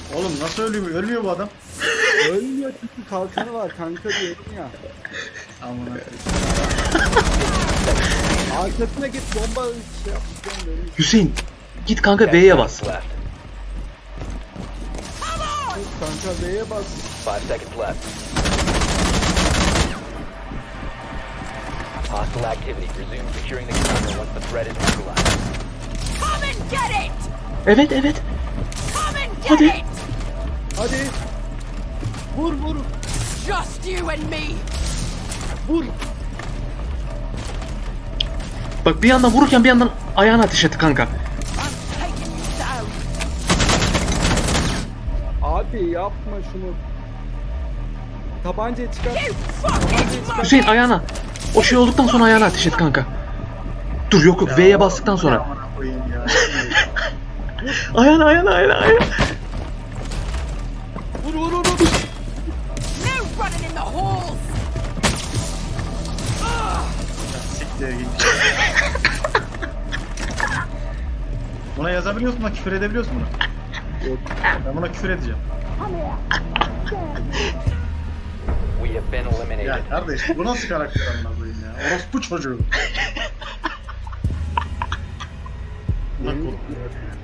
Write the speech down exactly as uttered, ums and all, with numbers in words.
Oğlum nasıl ölüyor? Ölüyor bu adam. Ölmüyor çünkü kalkanı var kanka diyorum ya. Amına. Arkasına git bomba şey yapacağım böyle. Hüseyin git kanka B'ye bas. Left. Kanka B'ye bas. Five seconds left. Hostile activity. Resume securing the container once the threat is neutralized. Come and get it! Evet evet. Come and get Hadi. it! Hadi. Vur vur. Just you and me! Vur. Bak bir yandan vururken bir yandan ayağına ateş etti kanka. I'm taking you down! Abi yapma şunu. Tabancayı çıkar. You fucking monkey! Hüseyin ayağına. O şey olduktan sonra ayağına ateş et kanka. Dur yok yok V'ye bastıktan sonra. Amına koyayım ya. Ayağına ayağına ayağına ayağına. Vur vur vur vur. No running in the halls! Siktir git. Buna yazabiliyor musun? Buna küfür edebiliyor musun buna? Yok. Ben buna küfür edeceğim. We have been eliminated. Ya kardeş bu nasıl karakter amına koyayım ya? Orospu çocuğu. Buna korkuyor.